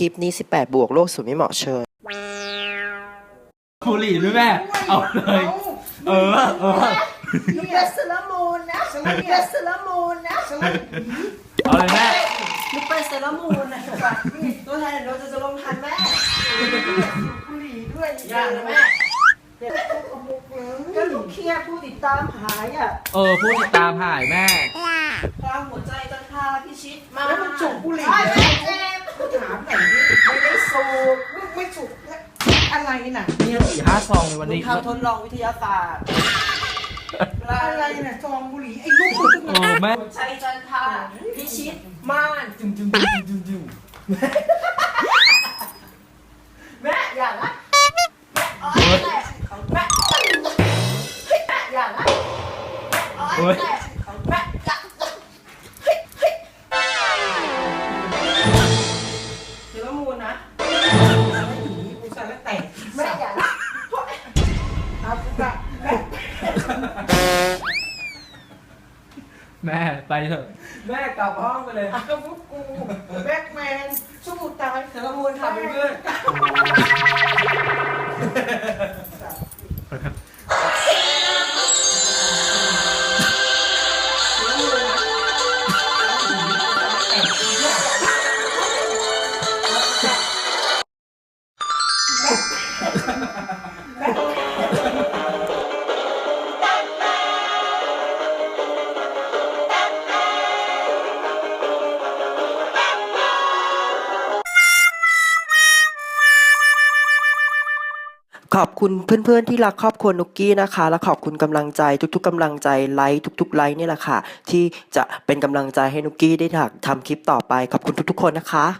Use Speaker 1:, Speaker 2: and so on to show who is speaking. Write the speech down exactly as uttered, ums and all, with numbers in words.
Speaker 1: ลิปนี้สิบแปดบวกโลกสูตรไม่เหมาะเชิญ
Speaker 2: บุหรี่ด้วยแม่เอาเลยเออเออ
Speaker 3: ลูกเบสเซรามูนนะลูกเบสเซรามูนนะ
Speaker 2: เอาเลยแม่
Speaker 3: ลูกเบสเซรามูนนะตัวแทนเราจะจะลงทันแม่บุหรี่ด้วยอย่านะแม่ก็ลูกเครียดผู้ติดตามหายอ่ะ
Speaker 2: เออผู้ติดตามหายแม่
Speaker 3: ตามหัวใจจันทราพิชิตมา
Speaker 4: แล้วมันจุกบุหรี่
Speaker 3: ไม่
Speaker 4: เนี่ย
Speaker 3: เจ็บ
Speaker 4: ถามหน่อยดิ
Speaker 3: ไม่ได้สูบ
Speaker 4: ลูกไม่จุกอะไรน่ะ
Speaker 2: นี่สี่ห้าซองในวันนี้
Speaker 3: ทำทดลองวิทยาศาสตร์
Speaker 4: อะไรน่ะซองบุหรี่ไอ้ลูก
Speaker 2: เออแม่
Speaker 3: หัวใจจันทราพิชิตม่านจุ่มจุ่มจุ่มจุ่มจุ่มแม่อย่าละแม่อ๋อแม่แม่แม่อย่าละอ๋อแม่แม่อย่าเฮ้ยเฮ้ยเดี๋ยวมูลนะ
Speaker 4: กูสั่นแล้วแตก
Speaker 3: แม่อย่าละ
Speaker 4: เอากูกะแม่
Speaker 2: แม่ไปเถอะ
Speaker 3: แม่กลับห้องไปเลย
Speaker 4: ก็พวกกูแบ็กแมนสู้ตาย
Speaker 3: เดี๋ยวมูลขับไปเพื่อน
Speaker 1: ขอบคุณเพื่อนๆที่รักครอบครัวนุกกี้นะคะ และขอบคุณกำลังใจทุกๆกำลังใจไลค์ทุกๆไลค์นี่แหละค่ะที่จะเป็นกำลังใจให้นุกกี้ได้ทำคลิปต่อไปขอบคุณทุกๆคนนะคะ